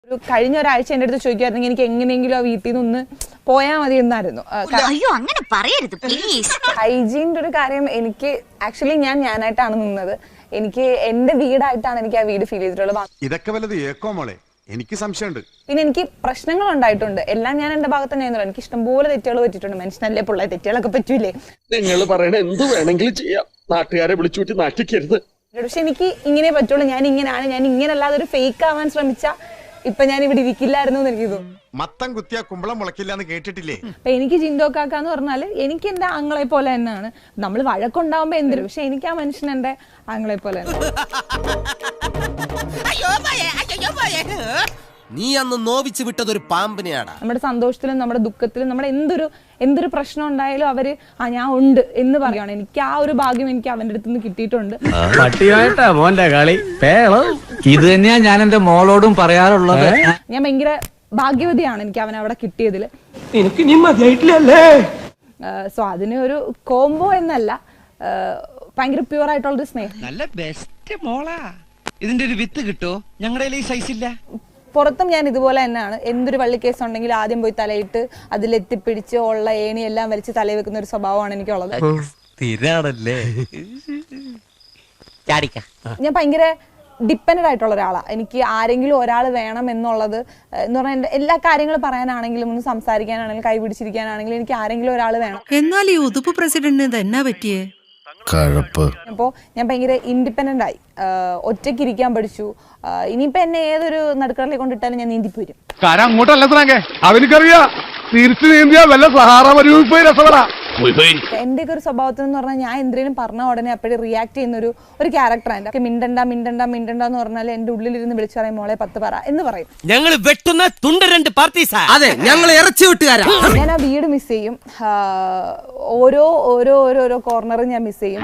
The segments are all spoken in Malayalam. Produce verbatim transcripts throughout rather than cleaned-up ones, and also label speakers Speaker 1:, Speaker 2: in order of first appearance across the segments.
Speaker 1: ഒരു കഴിഞ്ഞ ഒരാഴ്ച എൻ്റെ അടുത്ത് ചോദിക്കുമായിരുന്നെങ്കിൽ എനിക്ക് എങ്ങനെയെങ്കിലും ആ വീട്ടിൽ നിന്ന് ഒന്ന് പോയാൽ മതി എന്നായിരുന്നു.
Speaker 2: അയ്യോ അങ്ങനെ പറയരുത് പ്ലീസ്.
Speaker 1: ഹൈജീൻ്റെ ഒരു കാര്യം എനിക്ക് ആക്ച്വലി ഞാൻ ഞാനായിട്ടാണ് നിന്നത്. എനിക്ക് എൻ്റെ വീടായിട്ടാണ് എനിക്ക് ആ വീട് ഫീൽ ചെയ്തിട്ടുള്ളത്.
Speaker 3: ഇതൊക്കെ വല്ലത് ഏക്കോ മോളെ, എനിക്ക് സംശയമുണ്ട്.
Speaker 1: പിന്നെ എനിക്ക് പ്രശ്നങ്ങൾ ഉണ്ടായിട്ടുണ്ട്. എല്ലാം ഞാൻ എൻ്റെ ഭാഗത്ത് തന്നെ ആയിരുന്നു. എനിക്ക് ഇഷ്ടംപോലെ തെറ്റുകൾ പറ്റിയിട്ടുണ്ട്. മനുഷ്യനല്ലേ പിള്ളേ, തെറ്റുകളൊക്കെ പറ്റൂലേ.
Speaker 4: നിങ്ങൾ പറയണ എന്ത് വേണമെങ്കിലും ചെയ്യാം, നാട്ടുകാരെ വിളിച്ചുകൂട്ടി നാട്ടിക്കരുത്.
Speaker 1: പക്ഷെ എനിക്ക് ഇങ്ങനെ പറ്റുള്ളൂ, ഞാൻ ഇങ്ങനെയാണ്, ഞാൻ ഇങ്ങനെ അല്ലാതെ ഒരു ഫേക്ക് ആവാൻ ശ്രമിച്ചാൽ ഇപ്പൊ ഞാൻ ഇവിടെ ഇരിക്കില്ലായിരുന്നു എന്ന് എനിക്ക് തോന്നുന്നു.
Speaker 3: മത്തം കുത്തിയ കുമ്പളം മുളക്കില്ല എന്ന് കേട്ടിട്ടില്ലേ?
Speaker 1: അപ്പൊ എനിക്ക് ജിൻഡോ കാക്ക എന്ന് പറഞ്ഞാല് എനിക്ക് എന്റെ ആങ്ങളെ പോലെ തന്നെയാണ്. നമ്മൾ വഴക്കുണ്ടാവുമ്പോ എന്തിനും, പക്ഷെ എനിക്ക് ആ മനുഷ്യൻ എന്റെ ആങ്ങളെ പോലെ തന്നെ.
Speaker 5: നീ അന്ന് നോവിച്ച് വിട്ടതൊരു പാമ്പിനെയാണ്.
Speaker 1: നമ്മുടെ സന്തോഷത്തിലും നമ്മുടെ ദുഃഖത്തിലും നമ്മുടെ എന്തൊരു എന്തൊരു പ്രശ്നം ഉണ്ടായാലും അവര് ആ ഞാൻ ഉണ്ട് എന്ന് പറയുകയാണ്. എനിക്ക് ആ ഒരു ഭാഗ്യം എനിക്ക് അവന്റെ അടുത്ത് നിന്ന് കിട്ടിയിട്ടുണ്ട്.
Speaker 6: പട്ടിയായിട്ടാ മോന്റെ കളി. ഇത് തന്നെയാ ഞാൻ എന്റെ മോളോടും പറയാറുള്ളത്.
Speaker 1: ഞാൻ ഭയങ്കര ഭാഗ്യവതിയാണ് എനിക്ക് അവൻ അവിടെ കിട്ടിയതിൽ.
Speaker 4: എനിക്ക് നീ മതിയായിട്ടില്ലല്ലേ?
Speaker 1: സോ അതിന് ഒരു കോംബോ എന്നല്ല, ഭയങ്കര പ്യൂർ ആയിട്ടുള്ളൊരു സ്നേഹം.
Speaker 7: നല്ല ബെസ്റ്റ് മോളാ. ഇതിന്റെ ഒരു വിത്ത് കിട്ടോ? ഞങ്ങളുടെ ഈ സൈസ് ഇല്ല.
Speaker 1: പുറത്തും ഞാൻ ഇതുപോലെ തന്നെയാണ്. എന്തൊരു വള്ളിക്കേസ് ഉണ്ടെങ്കിൽ ആദ്യം പോയി തലയിട്ട് അതിലെത്തിപ്പിടിച്ച് ഉള്ള ഏണി എല്ലാം വലിച്ച് തലയിൽ വെക്കുന്ന ഒരു സ്വഭാവമാണ് എനിക്കുള്ളത്. ഞാൻ ഭയങ്കര ഡിപ്പെൻഡ് ആയിട്ടുള്ള ഒരാളാണ്. എനിക്ക് ആരെങ്കിലും ഒരാൾ വേണം എന്നുള്ളത് എന്ന് പറഞ്ഞാൽ എൻ്റെ എല്ലാ കാര്യങ്ങളും പറയാനാണെങ്കിലും ഒന്ന് സംസാരിക്കാനാണെങ്കിലും കൈ പിടിച്ചിരിക്കാനാണെങ്കിലും എനിക്ക് ആരെങ്കിലും ഒരാൾ വേണം.
Speaker 8: എന്നാൽ ഈ ഉതുപ്പ് പ്രസിഡന്റിന് ഇത് എന്നാ പറ്റിയേ?
Speaker 1: അപ്പോൾ ഞാൻ ഭയങ്കര ഇൻഡിപെൻഡന്റ് ആയി, ഒറ്റയ്ക്ക് ഇരിക്കാൻ പഠിച്ചു. ഇനിയിപ്പോ എന്നെ ഏതൊരു നടുക്കടലിൽ കൊണ്ടിട്ടാലും ഞാൻ നീന്തിപ്പോരും.
Speaker 4: അവനിക്കറിയാ തിരിച്ചു നീന്തിയാ വല്ല സഹാറ മരുഭൂമി രസപ്പെടാ.
Speaker 1: എന്റെ ഒക്കെ ഒരു സ്വഭാവത്തിൽ എന്ന് പറഞ്ഞാൽ ഞാൻ എന്തെങ്കിലും പറഞ്ഞ ഉടനെ അപ്പോഴും റിയാക്ട് ചെയ്യുന്ന ഒരു ഒരു ക്യാരക്ടറാണ് എൻ്റെ. മിണ്ടണ്ട മിണ്ടണ്ട മിണ്ടണ്ട എന്ന് പറഞ്ഞാൽ എന്റെ ഉള്ളിലിരുന്ന് വിളിച്ചു പറയും മോളെ പത്ത് പറ എന്ന് പറയും.
Speaker 5: ഞങ്ങൾ വെട്ടുന്ന തുണ്ട രണ്ട് പാർട്ടീസാ. അതെ, ഞങ്ങൾ ഇറച്ചി വെട്ടുകാരാ.
Speaker 1: ഞാൻ ആ വീട് മിസ് ചെയ്യും. ഓരോ ഓരോ ഓരോ ഓരോ കോർണറും ഞാൻ മിസ് ചെയ്യും.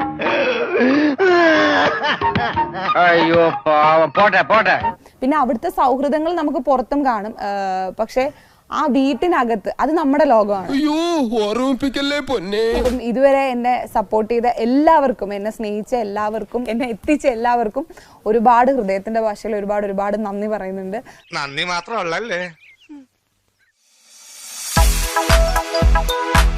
Speaker 7: അയ്യോ പോട്ടെ പോട്ടെ.
Speaker 1: പിന്നെ അവിടുത്തെ സൗഹൃദങ്ങൾ നമുക്ക് പുറത്തും കാണും, പക്ഷെ ആ വീട്ടിനകത്ത് അത് നമ്മുടെ ലോകമാണ്. ഇതുവരെ എന്നെ സപ്പോർട്ട് ചെയ്ത എല്ലാവർക്കും, എന്നെ സ്നേഹിച്ച എല്ലാവർക്കും, എന്നെ എത്തിച്ച എല്ലാവർക്കും ഒരുപാട് ഹൃദയത്തിന്റെ ഭാഷയിൽ ഒരുപാട് ഒരുപാട് നന്ദി പറയുന്നുണ്ട്.
Speaker 3: നന്ദി മാത്രമല്ലേ.